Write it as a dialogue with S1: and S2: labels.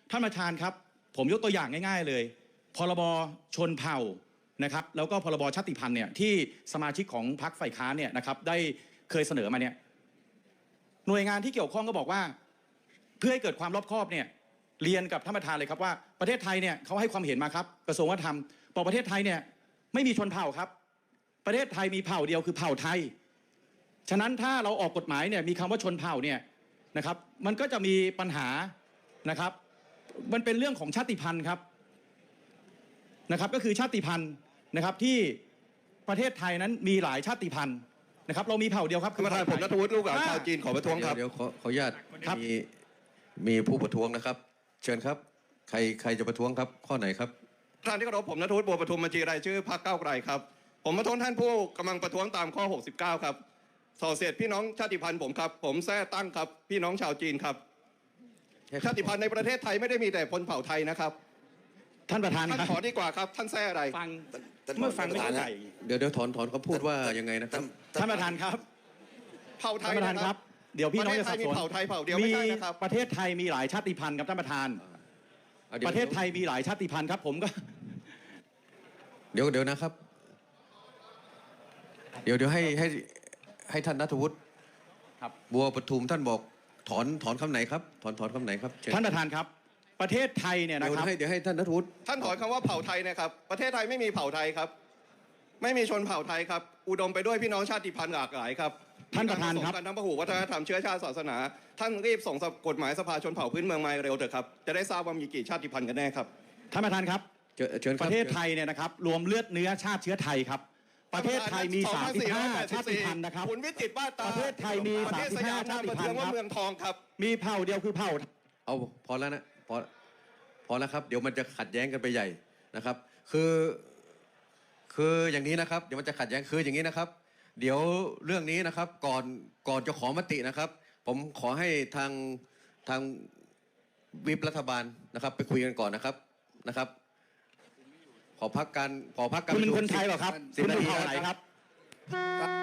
S1: ท่านประธานครับผมยกตัวอย่างง่ายๆเลยพรบชนเผ่านะครับแล้วก็พรบชาติพันธุ์เนี่ยที่สมาชิกของพรรคฝ่ายค้านเนี่ยนะครับได้เคยเสนอมาเนี่ยหน่วยงานที่เกี่ยวข้องก็บอกว่าเพื่อให้เกิดความรอบคอบเนี่ยเรียนกับท่านประธานเลยครับว่าประเทศไทยเนี่ยเขาให้ความเห็นมาครับกระทรวงวัฒนธรรมบอกประเทศไทยเนี่ยไม่มีชนเผ่าครับประเทศไทยมีเผ่าเดียวคือเผ่าไทยฉะนั้นถ้าเราออกกฎหมายเนี่ยมีคำว่าชนเผ่าเนี่ยนะครับมันก็จะมีปัญหานะครับมันเป็นเรื่องของชาติพันธุ์ครับนะครับก็คือชาติพันธุ์นะครับที่ประเทศไทยนั้นมีหลายชาติพันธุ์นะครับเรามีเผ่าเดียวครับ
S2: ท่านประธานผมณัฐวุฒิลูกหลานชาวจีนขอประท้วงครับ
S3: เดี๋ยวขออนุญาตมีผู้ประท้วงนะครับ เชิญครับใครจะประท้วงครับข้อไหนครับ
S2: ท่านที่เคารพผมณัฐวุฒิบัวประทุมบัญชีรายชื่อพรรคก้าวไกลครับผมประท้วงท่านผู้กำลังประท้วงตามข้อ 69 ครับส่อเสียดพี่น้องชาติพันธุ์ผมครับผมแท้ตั้งครับพี่น้องชาวจีนครับชาติพันธุ์ในประเทศไทยไม่ได้มีแต่คนเผ่าไทยนะครับ
S1: ท่านประธาน
S2: ท่าน
S1: ครับ
S2: ขอดีกว่าครับท่านแท้อะไร
S1: ฟังเมื่อฟังไม่เข้าใจ
S3: เดี๋ยวถอนเขาพูดว่ายังไงนะครับ
S1: ท่านประธานครับ
S2: เผ่าไท
S1: ท่าย นประธาน
S2: นะ
S1: ค
S2: ค
S1: รั
S2: รั
S1: บบ เดี๋ยวพี่น้องจะสับสน
S2: ประเทศไทยมีเผ่าไทยเผ่าเดียวไม่ใช่นะครับ
S1: ประเทศไทยมีหลายชาติพันธุ์ครับท่านประธานประเทศไทยมีหลายชาติพันธุ์ครับผมก็
S3: เดี๋ยวนะครับเดี๋ยวให้ท่านณัฐวุฒิบัวประทุมท่านบอกถอนคำไหนครับถอนคำไหนครับ
S1: ท่านประธานครับประเทศไทยเนี่ยนะครับ
S3: เดี๋ยวให้ท่านณัฐวุฒิ
S2: ท่านถอนคำว่าเผ่าไทยนะครับประเทศไทยไม่มีเผ่าไทยครับไม่มีชนเผ่าไทยครับอุดมไปด้วยพี่น้องชาติพันธุ์หลากหลายครับ
S1: ท่านประธานครับ
S2: การทั้งพหุวัฒนธรรมเชื้อชาติศาสนาท่านรีบส่งกฎหมายสภาชนเผ่าพื้นเมืองมาเร็วเถอะครับจะได้ทราบว่ามีกี่ชาติพันธุ์กันแน่ครับ
S1: ท่านประธานครับ
S3: เชิญค
S1: ป
S3: รับ
S1: ระเทศไทยเนี่ยนะครับรวมเลือดเนื้อชาติเชื้อไทยครับประเทศไทยมี35ชาติพันธุ์นะครับ
S2: คุณวิจิตรบ้านตา
S1: ประเทศไทยมี35ชาติพันธุ์ครับ
S2: เมืองทองครับ
S1: มีเผ่าเดียวคือเผ่า
S3: เอาพอแล้วนะพอแล้วครับเดี๋ยวมันจะขัดแย้งกันไปใหญ่นะครับคืออย่างนี้นะครับเดี๋ยวมันจะขัดแย้งคืออย่างนี้นะครับเดี๋ยวเรื่องนี้นะครับก่อนจะขอมตินะครับผมขอให้ทางวิปรัฐบาลนะครับไปคุยกันก่อนนะครับขอพักการ
S1: คุณเป็นคนไทยเหรอครับคุณเป็นเผ่าไหนครับ